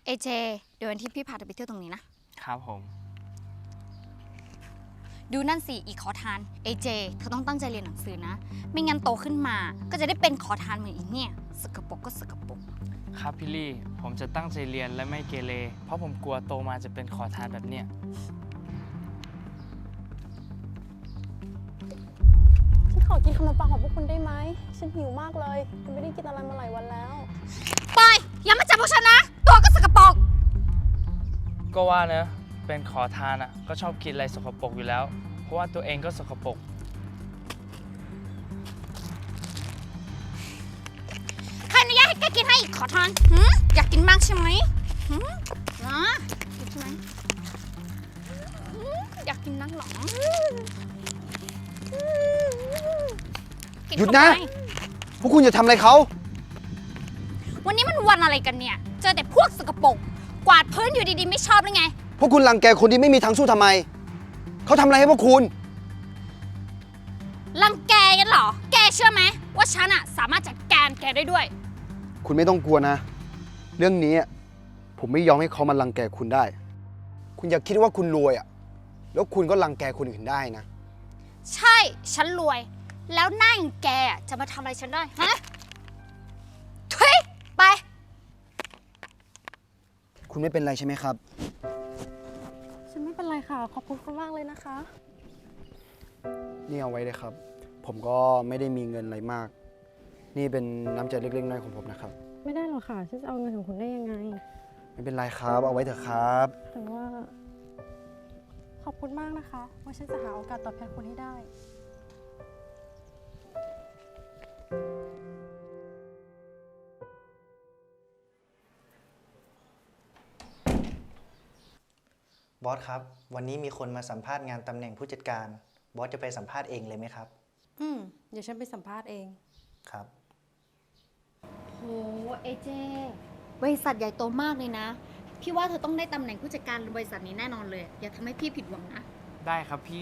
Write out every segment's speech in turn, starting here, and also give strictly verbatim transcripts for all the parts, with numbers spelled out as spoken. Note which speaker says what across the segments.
Speaker 1: เอเจเดี๋ยววันที่พี่พาเธอไปเที่ยวตรงนี้นะครับ
Speaker 2: ผม
Speaker 1: ดูนั่นสิอีกขอทานเอเจเธอต้องตั้งใจเรียนหนังสือนะไม่งั้นโตขึ้นมาก็จะได้เป็นขอทานเหมือนอีเนี่ยสกปรกก็สกปรก
Speaker 2: ครับพี่ลี่ผมจะตั้งใจเรียนและไม่เกเรเพราะผมกลัวโตมาจะเป็นขอทานแบบเนี้ย
Speaker 3: ฉันขอกินขนมปังของพวกคุณได้ไหมฉันหิวมากเลยฉันไม่ได้กินอะไรมาหลายวันแล้ว
Speaker 1: ปอยอย่ามาจับพวกฉันนะตัวก็สกปรก
Speaker 2: ก็ว่านะเป็นขอทานอ่ะก็ชอบกินอะไรสกปรกอยู่แล้วเพราะว่าตัวเองก็สกปรก
Speaker 1: ใครอนุญาตให้แกกินให้อีกขอทานหืมอยากกินมากใช่ไหมหืมนะกินใช่ไหมหืมอยากกินนักหรอ
Speaker 4: หยุดนะพวกคุณจะทำอะไรเขา
Speaker 1: วันนี้มันวันอะไรกันเนี่ยเจอแต่พวกสกปรกกวาดพื้นอยู่ดีๆไม่ชอบหรือไง
Speaker 4: พวกคุณรังแกคนที่ไม่มีทางสู้ทำไมเขาทำอะไรให้พวกคุณ
Speaker 1: รังแกกันเหรอแกเชื่อไหมว่าฉันอะสามารถจัดการแกได้ด้วย
Speaker 4: คุณไม่ต้องกลัวนะเรื่องนี้ผมไม่ยอมให้เขามารังแกคุณได้คุณอย่าคิดว่าคุณรวยอ่ะแล้วคุณก็รังแกคนอื่นได้นะ
Speaker 1: ใช่ฉันรวยแล้วหน้าอย่างแกจะมาทำอะไรฉันได้ฮะทุยไป
Speaker 4: คุณไม่เป็นไรใช่ไหมครับ
Speaker 3: ฉันไม่เป็นไรค่ะขอบคุณคุณมากเลยนะคะ
Speaker 4: นี่เอาไว้เลยครับผมก็ไม่ได้มีเงินอะไรมากนี่เป็นน้ำใจเล็กๆน้อยๆของผมนะครับ
Speaker 3: ไม่ได้หรอกค่ะฉันจะเอาเงินของคุณได้ยังไง
Speaker 4: ไม่เป็นไรครับเอาไว้เถอะครับ
Speaker 3: แต่ว่าขอบคุณมากนะคะว่าฉันจะหาโอกาสตอบแทนคุณให้ได้
Speaker 5: บอสครับวันนี้มีคนมาสัมภาษณ์งานตำแหน่งผู้จัดการบอสจะไปสัมภาษณ์เองเลยไหมครับ
Speaker 3: อืมเดี๋ยวฉันไปสัมภาษณ์เอง
Speaker 5: ครับ
Speaker 1: โหเอเจบริษัทใหญ่โตมากเลยนะพี่ว่าเธอต้องได้ตำแหน่งผู้จัดการบริษัทนี้แน่นอนเลยอย่าทำให้พี่ผิดหวังนะ
Speaker 2: ได้ครับพี่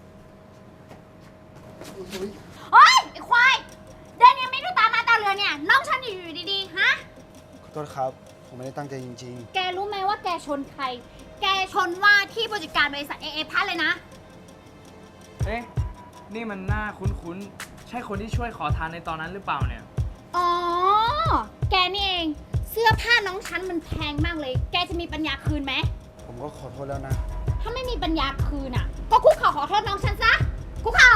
Speaker 1: โอ๊ยไอ้ควายเดินยังไม่ดูตามาตาเรือเนี่ยน้องฉันอยู่อยู่ดีๆฮะ
Speaker 4: ขอโทษครับผมไม่ได้ตั้งใจจริง
Speaker 1: ๆแกรู้ไหมว่าแกชนใครแกชนว่าที่ผู้จัดการบริษัทเอเอพัทเลยนะ
Speaker 2: เอ๊ะนี่มันหน้าคุ้นๆใช่คนที่ช่วยขอทานในตอนนั้นหรือเปล่าเนี่ย
Speaker 1: อ๋อแกนี่เองเสื้อผ้าน้องฉันมันแพงมากเลยแกจะมีปัญญาคืนไหม
Speaker 4: ผมก็ขอโทษแล้วนะ
Speaker 1: ถ้าไม่มีปัญญาคืนอ่ะก็คุกเข่าขอโทษน้องฉันซะคุกเข่า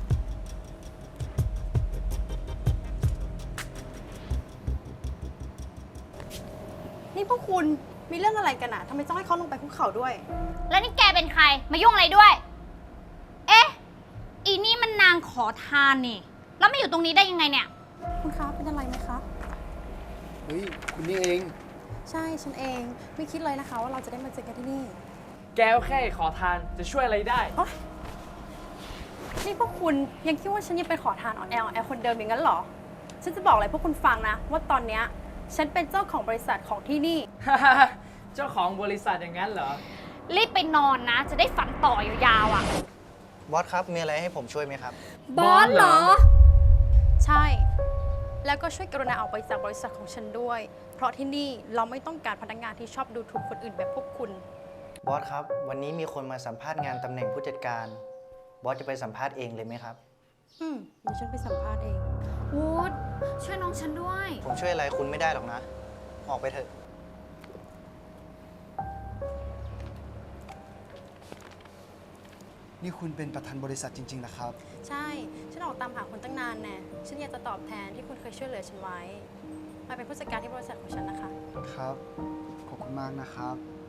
Speaker 3: นี่พวกคุณมีเรื่องอะไรกันอะทำไมต้องให้เขาลงไปคุกเข่าด้วย
Speaker 1: แล้วนี่แกเป็นใครมายุ่งอะไรด้วยเอ๊ะอีนี่มันนางขอทานนี่แล้วมาอยู่ตรงนี้ได้ยังไงเนี่ย
Speaker 3: คุณคะเป็นอะไรไหมคะ
Speaker 4: เฮ้ยคุณนี่เอง
Speaker 3: ใช่ฉันเองไม่คิดเลยนะคะว่าเราจะได้มาเจอกันที่นี่
Speaker 2: แกก็แค่ขอทานจะช่วยอะไรได้
Speaker 3: นี่พวกคุณยังคิดว่าฉันยังเป็นขอทานอ่อนแออ่อนแอคนเดิมอย่างนั้นเหรอฉันจะบอกอะไรพวกคุณฟังนะว่าตอนเนี้ยฉันเป็นเจ้าของบริษัทของที่นี่
Speaker 2: เจ้าของบริษัทอย่างนั้นเหรอ
Speaker 1: รีบไปนอนนะจะได้ฝันต่อยาวๆอ่ะ
Speaker 5: บอสครับมีอะไรให้ผมช่วยไหมครับ
Speaker 1: บอสเหรอ
Speaker 3: ใช่แล้วก็ช่วยกรุณาออกไปจากบริษัทของฉันด้วยเพราะที่นี่เราไม่ต้องการพนักงานที่ชอบดูถูกคนอื่นแบบพวกคุณ
Speaker 5: บอสครับวันนี้มีคนมาสัมภาษณ์งานตำแหน่งผู้จัดการบอสจะไปสัมภาษณ์เองเลยไหมครับ
Speaker 3: อืมเดี๋ยวฉันไปสัมภาษณ์เอง
Speaker 1: วูดช่วยน้องฉันด้วย
Speaker 5: ผมช่วยอะไรคุณไม่ได้หรอกนะออกไปเถอะ
Speaker 4: นี่คุณเป็นประธานบริษัทจริงๆนะครับ
Speaker 3: ใช่ฉันออกตามหาคุณตั้งนานแน่ฉันอยากจะตอบแทนที่คุณเคยช่วยเหลือฉันไว้มาเป็นผู้จัดการที่บริษัทของฉันนะคะ
Speaker 4: ครับขอบคุณมากนะครับ